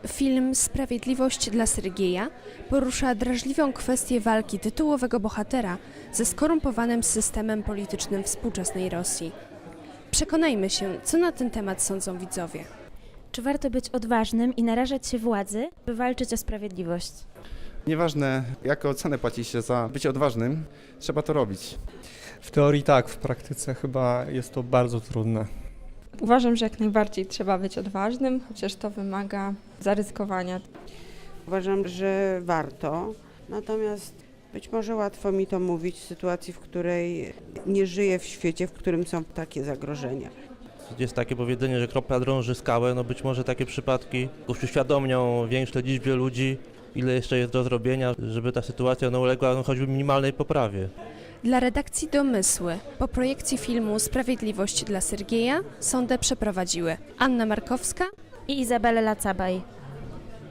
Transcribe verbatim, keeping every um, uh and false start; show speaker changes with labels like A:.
A: Film Sprawiedliwość dla Sergieja porusza drażliwą kwestię walki tytułowego bohatera ze skorumpowanym systemem politycznym współczesnej Rosji. Przekonajmy się, co na ten temat sądzą widzowie.
B: Czy warto być odważnym i narażać się władzy, by walczyć o sprawiedliwość?
C: Nieważne, jaką cenę płaci się za bycie odważnym, trzeba to robić.
D: W teorii tak, w praktyce chyba jest to bardzo trudne.
E: Uważam, że jak najbardziej trzeba być odważnym, chociaż to wymaga zaryzykowania.
F: Uważam, że warto, natomiast być może łatwo mi to mówić w sytuacji, w której nie żyję w świecie, w którym są takie zagrożenia.
G: Jest takie powiedzenie, że kropla drąży skałę, no być może takie przypadki uświadomią większej liczbie ludzi, ile jeszcze jest do zrobienia, żeby ta sytuacja no, uległa no, choćby minimalnej poprawie.
A: Dla redakcji Domysły po projekcji filmu Sprawiedliwość dla Sergieja sondę przeprowadziły Anna Markowska
B: I Izabela Lacabaj.